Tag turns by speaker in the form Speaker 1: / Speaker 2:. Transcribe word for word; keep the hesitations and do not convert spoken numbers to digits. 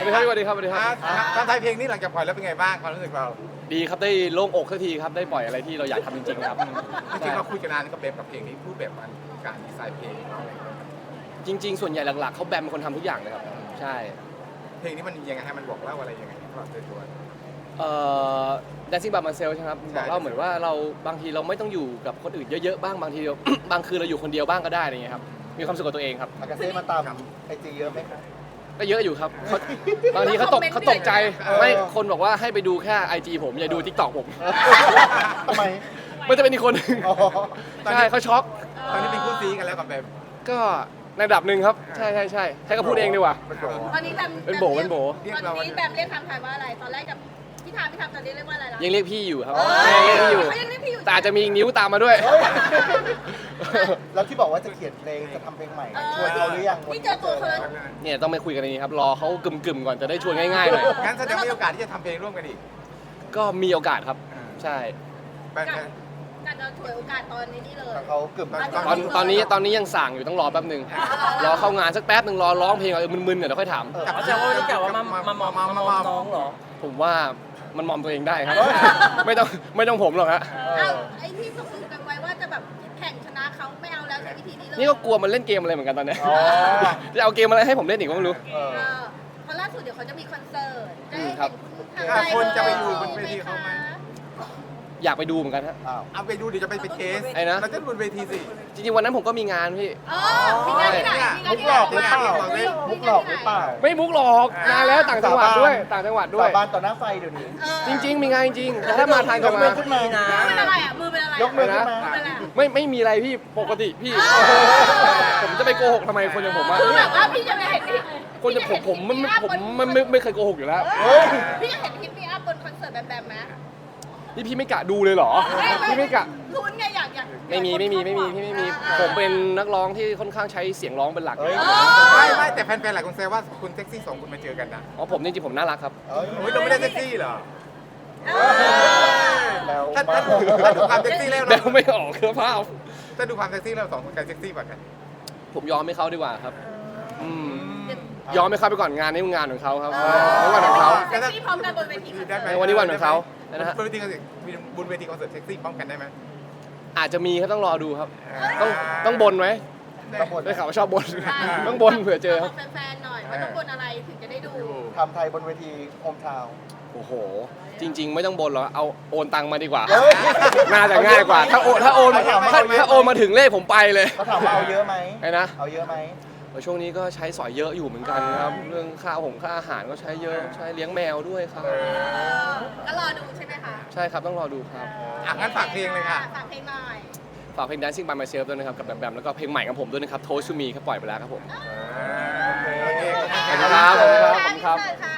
Speaker 1: วัสดีครับสวัสดีครับสวัสดีครับ
Speaker 2: ตอนท้ายเพลงนี้หลังจากปล่อยแล้วเป็นไงบ้างความรู้สึกเรา
Speaker 1: ดีครับได้โล่งอกสักทีครับได้ปล่อยอะไรที่เราอยากทำจริงๆครับ
Speaker 2: จริงๆเราคุยกันนานกับเบมกับเพลงนี้พูดแบบมันการดีไซน์เพลงอะไร
Speaker 1: จริง ๆ ส่วนใหญ่หลักๆเขาแบมเป็นคนทำทุกอย่างเลยครับใช่
Speaker 2: เพลงนี้มันยังไงให้มันบอกเล่าอะไรยังไงสำหรับตัว
Speaker 1: เอ่อ Dancing by myself ใช่ไหมครับ
Speaker 2: ใช่
Speaker 1: บอกเล่าเหมือนว่าเราบางทีเราไม่ต้องอยู่กับคนอื่นเยอะๆบ้างบางทีเรา บางคืนเราอยู่คนเดียวบ้างก็ได้อะไรเงี้ยครับมีความสุขกับตัวเองครับ
Speaker 3: อากาเซ่มาตามไอจีเยอะไหมครับ
Speaker 1: ก็เยอะอยู่ครับเขาบางทีเขาตกเขาตกใจไม่คนบอกว่าให้ไปดูแค่ ไอ จี ผมอย่าดู TikTok ผม
Speaker 3: ทำไม
Speaker 1: มันจะเป็นอีกคนหนึ่ง
Speaker 3: อ๋อ
Speaker 1: ใช่เขาช็อก
Speaker 2: ตอนนี้เป็นคู่ซีกันแล้วกับเบม
Speaker 1: ก็ในระดับหนึ่งครับใช่ใช่ใช่ใช่ก็พูดเองดีกว่า
Speaker 3: เป็นโบ
Speaker 4: ตอนนี้แบม
Speaker 1: เป็นโบเป็นโบ
Speaker 4: ตอนนี้แบมเรียกทางไทยว่าอะไร ตอนแรกกับพี่ทามพี่ทามตอนนี้เรียกว่าอะไรนะ
Speaker 1: ยังเรียกพี่อยู่ครับ
Speaker 4: เออ
Speaker 1: ยังเรียกพี่อยู่
Speaker 4: เขายังเรียกพี่อยู่
Speaker 1: แต่อาจจะมีนิ้วตามมาด้วย
Speaker 3: แล้วที่บอกว่าจะเขียนเพลงจะทำเพลงใหม่ชวนเขาหรือยัง
Speaker 4: นี่เจอตัวเขาแล้ว
Speaker 1: เนี่ยต้องไปคุยกันในนี้ครับรอเขากึ่มๆก่อนจะได้ชวนง่ายๆหน่อย
Speaker 2: งั้นแสดงว่ามีโอกาสที่จะทำเพลงร่วมกันอีก
Speaker 1: ก็มีโอกาสครับใช่
Speaker 2: แบม
Speaker 4: การจะถวยโอกาสตอนนี้นี่เลย
Speaker 3: เขาเกือบ
Speaker 1: ตอนตอนนี้ตอนนี้ยังสั่งอยู่ต้องรอแป๊บหนึ่งรอเข้างานสักแป๊บหนึ่งรอร้องเพลงก่อนเออมึนๆเดี๋ยวค่อยถาม
Speaker 2: กับแสดงว่ารู้จักว่ามามามามามามาน้องเหรอ
Speaker 1: ผมว่ามันมอมตัวเองได้ครับ ไม่ต้องไม่ต้องผมหรอกฮะ
Speaker 4: เอ้าไอ้ที่ตกลงกันไว้ว่าจะแบบแข่งชนะเขาไม่เอาแล้วใช้วิธีนี้เลย
Speaker 1: นี่ก็กลัวมันเล่นเกมอะไรเหมือนกันตอนเนี้ย
Speaker 3: อ๋อ
Speaker 1: จะเอาเกมอะไรให้ผมเล่นอีกก็ไม่รู้
Speaker 3: เออ
Speaker 4: เออเพราะล่าสุดเดี๋ยวเขาจะมีคอนเสิร์ตจะได้
Speaker 1: ครั
Speaker 4: เห็
Speaker 1: บ
Speaker 4: นคุณทาง
Speaker 2: คนจะไปอยู่บนเวทีเขาไหม
Speaker 1: อยากไปดูเหมือนกันฮะ
Speaker 3: อ้าว
Speaker 2: เอาไปดูเดี๋ยวจะไปเป็นเคส
Speaker 1: ไอ้นะ
Speaker 2: เราจะบนเวทีสิ
Speaker 1: จริงๆวันนั้นผมก็มีงานพี่
Speaker 4: เออมีงานที่ไหนมีงาน
Speaker 3: มุก
Speaker 4: ที่
Speaker 3: ห
Speaker 4: ไห
Speaker 3: ล
Speaker 4: น
Speaker 3: อกหรือเปล่ามุกหลอกหรือเปล่า
Speaker 1: ไม่มุกหรอกนานแล้วต่างจังหวัดด้วยต่างจังหวัดด้วย
Speaker 3: สาบานต่อหน้าไฟเดี๋ยวนี้
Speaker 4: เออ
Speaker 1: จริง ๆ มีงานจริงแต่ถ้ามาทางจังหวัด
Speaker 3: ยกมือขึ้นมา
Speaker 4: มือเป็นอะไรอ่ะมือเป็นอะไร
Speaker 3: ยกมือขึ้นมา
Speaker 4: มือเป็นอะไร
Speaker 1: ไม่ไม่มีอะไรพี่ปกติพี่ ผมจะไปโกหกทำไมคนอย่างผมอะ
Speaker 4: คือแบบว่าพี่จะไม่เห็น
Speaker 1: คนอย่างผมผมมันผมมันไม่ไม่เคยโกหกอยู่แล้ว
Speaker 3: เฮ้ย
Speaker 4: พี่จะเห็นคลิปนี้อัพบนคอนเสิร์ตแบมแบมไหม
Speaker 1: นี่พี่ไม่กะดูเลยเหรอพี่ไม่กะ
Speaker 4: ลุ้นไงอยากอยาก
Speaker 1: ไม่มีไม่มีไม่มีพี่ไม่มีผมเป็นนักร้องที่ค่อนข้างใช้เสียงร้องเป็นหลัก
Speaker 3: เฮ้ย
Speaker 2: ไม่ไม่แต่แฟนๆหลายคนแซวว่าคุณเซ็กซี่สองคุณมาเจอกันนะ
Speaker 1: อ๋อผมจริงๆผมน่ารักครับ
Speaker 3: เอ้ย
Speaker 2: โอ้ยเราไม่ได้เซ็กซี่เหรอ
Speaker 3: แล้ว
Speaker 2: ถ้าถ้าถ้าดูความเซ็กซี่แล้ว
Speaker 1: เดา
Speaker 2: เรา
Speaker 1: ไม่ออกคือภาพ
Speaker 2: ถ้าดูความเซ็กซี่แล้วสองคนใครเซ็กซี่กว่ากัน
Speaker 1: ผมยอมให้เขาดีกว่าครับอืมยอมให้เขาไปก่อนงานนี้มันงานของเขาครับนี่วันของเขา
Speaker 4: เซ็กซี่พร้อมกันบนเวทีคอนเสิร์ต
Speaker 1: ในวันนี้วันของเขานะฮะ
Speaker 2: บนเวทีคอนเสิร์ตบนเวทีคอนเสิร์ตเซ็กซี่พร้อมกันได้ไหม
Speaker 1: อาจจะมีครับต้องรอดูครับ ต้องต้องบนไหม
Speaker 3: ต้องบน
Speaker 1: ได้ข่าวว่าชอบบนต้องบนเผื่อเจอครับ
Speaker 4: บอกแฟนๆหน่อยว่าต้องบนอะไรถึงจะได้ดู
Speaker 3: ทำไทยบนเวทีโฮมทาวน์
Speaker 1: โอ้โห จริง ๆ ไม่ต้องบนหรอกเอาโอนตังมาดีกว่า
Speaker 3: เฮ้ย
Speaker 1: น่าจะง่ายกว่า ถ้าโอนถ้าโอนถ้าถ้าโอนมาถึงเลขผมไปเลย
Speaker 3: เขาถามว่าเอาเยอะไหม
Speaker 1: ไอ้นะ
Speaker 3: เอาเยอะไหม
Speaker 1: ช่วงนี้ก็ใช้สอยเยอะอยู่เหมือนกันครับ เรื่องค่าหงค่าอาหารก็ใช้เยอะใช้เลี้ยงแมวด้วยครับ
Speaker 4: ก็รอดูใช่ไหมคะ
Speaker 1: ใช่ครับต้องรอดูครับ
Speaker 2: อ่ะงั้นฝากเพลงเลยค่ะ
Speaker 4: ฝากเพลงหน่อย
Speaker 1: ฝากเพลง Dancing by myself ด้วยนะครับกับแบมแบมแล้วก็เพลงใหม่ของผมด้วยนะครับ Toast to me ครับปล่อยไปแล้วครับผม
Speaker 2: โอเค
Speaker 1: ขอบคุณครับขอบคุณครับขอบคุณครับ
Speaker 4: ค่ะ